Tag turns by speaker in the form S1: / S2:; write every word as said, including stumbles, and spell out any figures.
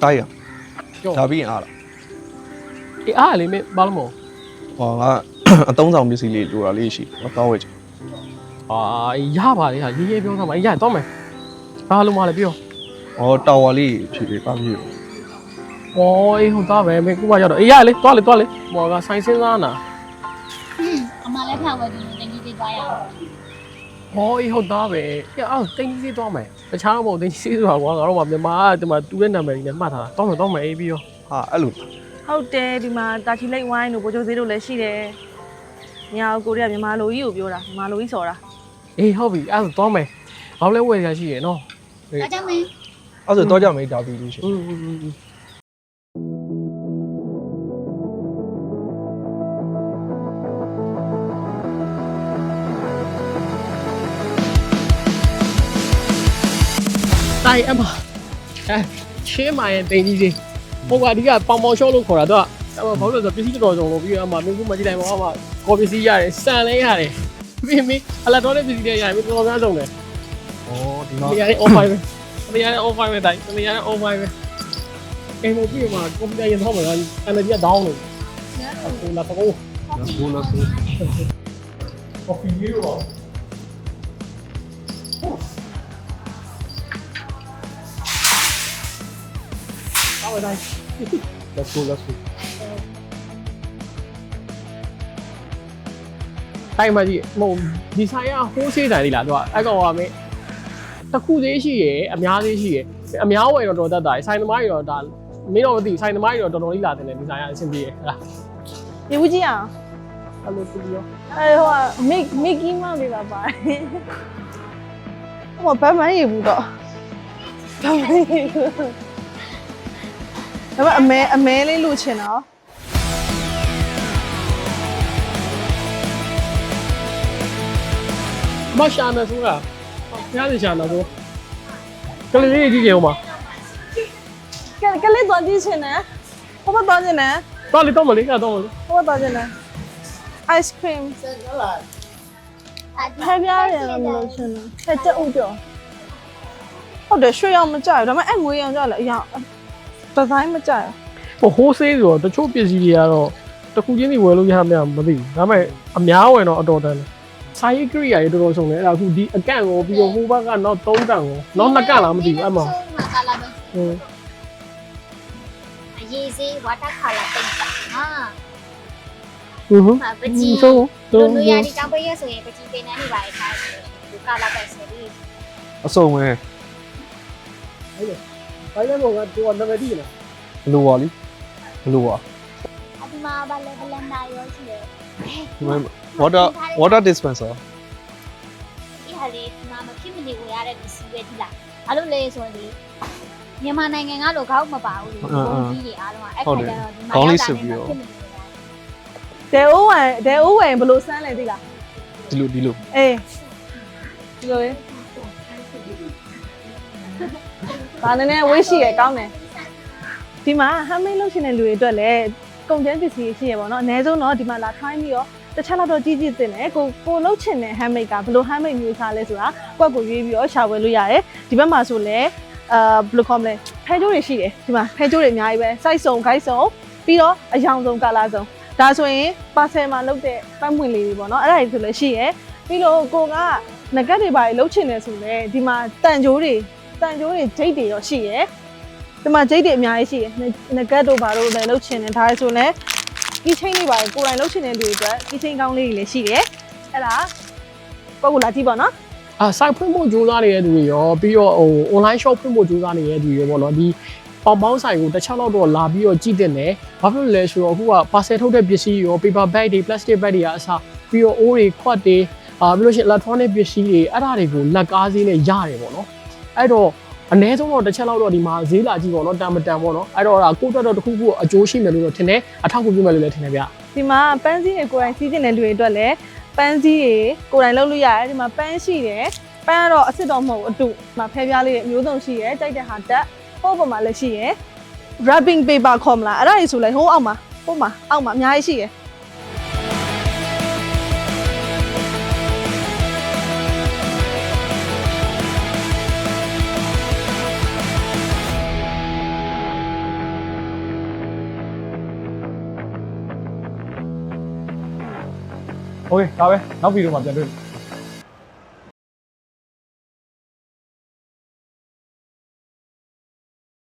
S1: တိုက်ရဒါပြီးရင်အားလား
S2: အေးအားလေမင်းဘာလို့မဟုတ်
S1: ဟောကအသုံးဆောင်ပစ္စည်းလေးလိုတာလေးရှိတော့တောင်းဝဲချင်
S2: အာရပါလေဟာရေးရေးပြောသားမှာရတော့မယ်ဘာလို့မလဲပြော
S1: ဟောတာဝါလေးဖြည့်ပေးပါဖြည့်
S2: ဟောအေးဟုတ်သားပဲမင်းခုမှရောက်တော့အေးရလေတွားလေတွားလေဟောကဆိုင်စင်းစားနာ
S3: အမလည်းဖတ်ဝဲပြီးတင်ကြီးသေးသွားရအောင်
S2: ဟောအေးဟုတ်သားပဲအေးအော်တင်းကြီးသွားမယ်တခြားမဟုတ်တင်းကြီးဆိုတာကွာငါတို့ကမြန်မာကဒီမှာတူတဲ့နာမည်ကြီးနဲ့မှတ်ထားတာတော့မယ်တော့မယ်အေးပြီးရော
S1: ဟာအဲ့လို
S4: ဟုတ်တယ်ဒီမှာတာချီလိတ်ဝိုင်းတို့ဘိုးချိုဈေးတို့လည်းရှိတယ်။ညာကိုရီးယားမြန်မာလိုကြီးကိုပြောတာမြန်မာလိုကြီးစော်တာ
S2: အေးဟုတ်ပြီအဲ့ဒါတော့မယ်ဘာလဲဝယ်ရရှိရနော်
S3: ဒါကြောင့်မင်း
S1: အဲ့ဆိုတော့ကြမယ်ဒါပြီးလို့ရှိ
S2: อืมတိုင်အမအဲချင်းမရဲ့တင်ကြီးကြီးပုံကအဓိကပေါင်ပေါင်ရှော့လို့ခေါ်တာတော့အမဘာလို့လဲဆိုပစ္စည်းတော်တော်လို့ပြီးတော့အမမင်းကမကြည့်နိုင်ပါဘူးအမကော်ပစ္စည်းရတယ်စံလဲရတယ်ပြီးမင်းအလာတော်တဲ့ပစ္စည်းတွေရတယ်မင်းတော်များဆုံးတယ်
S1: ဩဒီမှာ
S2: နေရာနဲ့ off five ပဲနေရာနဲ့ off five ပဲတိုင်နေရာနဲ့ off five ပဲအိမ်မပြီးမှာကွန်ပျူတာရင်တော့မှာ energy က down လို့ဟိုလာတော့
S1: ဘူးလို့ဆို
S2: coffee ရေရောအော်တိုင်
S1: let's go let's go
S2: တိုင်မကြီးမဟုတ်ဒီဆိုင်ကဟိုးဆေးဆိုင်လေးလားသူကအဲ့ကောင်ကမင်းတစ်ခုသေးရှိရယ်အများသေးရှိရယ်အများဝယ်တော့တော်တတ်တာဆိုင်သမားတွေတော့ဒါမင်းတော့မသိဆိုင်သမားတွေတော့တော်တော်လေးလာတယ်ဒီဆိုင်ကအဆင်ပြေရဟလား
S4: ။ဒီဦးကြီးအောင်
S2: အဲ့လိုပြီးရော
S4: အဲဟိုကမိမိကီမောင်လေးပါပါတယ်။ဟိုဗတ်မရဘူးတော့ဗတ်မရဘူး။ဒါပေမဲ့အမဲအမဲလေးလူချင်တော့
S2: မရှာနေဆိုတာဖျားနေရှာနေဆိုကလေးလေးကြီးကြအောင်ပါ
S4: ကဲကလေးတော့ကြည့်ချင်တယ်။ဟိုဘက်တော့ချင်တယ်
S2: တော့လေတော့မလေးကတော့မလေး
S4: ။ဟိုဘက်တော့ချင်တယ်။ ice cream ဖဲပြားတယ်လို့မလို့ချင်တယ်။ဖဲတက်ဦးပြော။ဟုတ်တယ်ရွှေရောင်မကြိုက်ဘူးဒါပေမဲ့အဲ့ငွေရောင်ကြလည်းအရာဒီဇိုင်းမကြိုက်ဘူး
S2: ဟိုဟိုးဆေးဆိုတော့တချို့ပစ္စည်းတွေကတော့တစ်ခုချင်းစီဝယ်လို့ရမှာမသိဘူးဒါပေမဲ့အများဝယ်တော့အတော်တန်တယ်ဆိုင်ကရိယာတွေတော်တော်ဆုံးတယ်အဲ့ဒါအခုဒီအကန့်ကိုပြီးတော့ဟိုဘက်ကနောက်သုံးကန့်ကိုနောက်နှစ်ကန့်လားမသိဘူးအဲ့မှာ
S3: ကာလာပဲ
S2: ဟင်း
S3: အရေးစေးဝါတာခါလာတိတ်တာဟာ
S2: ဟင်းဟင်း
S3: ပကြီး
S2: ဆုံး
S3: လူ
S2: တော့
S3: လူရဒီတောင်ပေးရဆိုရင်ပကြီးပင်နှန်းနေပါလေခါဒီကာလာပဲဆိုပြီး
S1: အစုံပဲ
S2: ဘိုင်းလည်းဘောကတူနံပါတ်ဒီလား
S1: ဘလိုပါလိဘလိုပါ
S3: အဒီမှာဘာလဲဘလန်ဒါရောရှိတယ်
S1: ဒီမှာ water water dispenser
S3: ဒီဟာလေးဒီမှာမဖြစ်မနေဝယ်ရတဲ့ပစ္စည်းပဲဒီလားအဲ့လိုလေဆိုရင်မြန်မာနိုင်ငံကလိုခေါက်မပါဘူးလေပုံကြီးတွေအားလုံးကအဲ့ခါကျတော့ဒီမှာရောက်တာနဲ့ဖြစ်မနေဝယ်ရ
S4: ဒဲအိုးဝယ်ဒဲအိုးဝယ်ဘယ်လိုစမ်းလဲသိလား
S1: ဒီလိုဒီလို
S4: အေးဒီလိုလေဒါနည်းနည်းဝေးရှိရကောင်းတယ်ဒီမှာဟမ်းမိတ်လုပ်ရှင်တဲ့လူတွေအတွက်လည်းကုန်ကျန်းပစ္စည်းရှိရပါတော့အနည်းဆုံးတော့ဒီမှာလာထိုင်းပြီးတော့တစ်ချက်တော့ကြီးကြီးတင်တယ်ကိုကိုလုပ်ချင်တဲ့ဟမ်းမိတ်ကဘယ်လိုဟမ်းမိတ်မျိုးစားလဲဆိုတာကွက်ကိုရွေးပြီးတော့ရှာဝယ်လို့ရတယ်ဒီဘက်မှာဆိုလည်းအာဘယ်လိုခေါ်မလဲဖဲကျိုးတွေရှိတယ်ဒီမှာဖဲကျိုးတွေအများကြီးပဲစိုက်စုံခိုက်စုံပြီးတော့အယောင်စုံကာလာစုံဒါဆိုရင်ပါဆယ်မှာလုပ်တဲ့ပတ်ပွင့်လေးတွေပေါ့နော်အဲ့ဒါတွေဆိုလည်းရှိရယ်ပြီးတော့ကိုကငကက်တွေပါလှုပ်ချင်တယ်ဆိုလည်းဒီမှာတန်ကြိုးတွေတန်ကြိုးတွေဂျိတ်တွေရောရှိရယ်ဒီမှာဂျိတ်တွေအများကြီးရှိရယ်ငကက်တို့ဘာတို့လည်းလှုပ်ချင်တယ်ဒါဆိုလည်းကီးချင်းလေးပါကိုယ်တိုင်လှုပ်ချင်တဲ့လူတွေအတွက်ကီးချင်းကောင်းလေးတွေလည်းရှိတယ်အဲ့ဒါပုံကလာကြည့်ပါနော်
S2: အာဆိုင်ဖွင့်ဖို့ကြိုးစားနေတဲ့သူတွေရောပြီးတော့ဟို online shop ဖွင့်ဖို့ကြိုးစားနေတဲ့သူတွေရောပေါ့နော်ဒီပေါင်ပေါင်းဆိုင်ကိုတစ်ချက်လောက်တော့လာပြီးတော့ကြည့်တဲ့နယ်ဘာဖြစ်လို့လဲဆိုတော့အခုက parcel ထုတ်တဲ့ပစ္စည်းရော paper bag တွေ plastic bag တွေကအစားပြီးတော့အိုးတွေခွက်တွေအာပြီးလို့ရှိရင် electronic ပစ္စည်းတွေအဲ့ဒါတွေကိုလက်ကားဈေးနဲ့ရတယ်ပေါ့နော်အဲ့တော့အနည်းဆုံးတော့တစ်ချက်လောက်တော့ဒီမှာဈေးလာကြည့်ပေါ့နော်တန်မတန်ပေါ့နော်အဲ့တော့ဒါကိုယ့်အတွက်တော့တစ်ခုခုအကျိုးရှိမယ်လို့တော့ထင်တယ်အထောက်အကူပြုမယ်လို့လည်းထင်တယ်ဗျ
S4: ဒီမှာပန်းစည်းတွေကိုယ်တိုင်စီးကျင်တဲ့လူတွေအတွက်လည်းပန်းစည်းတွေကိုယ်တိုင်လုပ်လို့ရတယ်ဒီမှာပန်းရှိတယ်ပန်းကတော့အစ်စ်တော့မဟုတ်ဘူးအတူဒီမှာဖဲပြားလေးတွေအမျိုးစုံရှိရယ်ကြိုက်တဲ့ဟာတက်ပို့ပေါ်မှာလည်းရှိရယ် wrapping paper ခေါ်မလားအဲ့ဒါကြီးဆိုလဲဟိုးအောက်မှာပို့မှာအောက်မှာအများကြီးရှိရယ်
S5: โอเคဒါပဲနောက်ဗီဒီယိုမှာပြန်တွေ့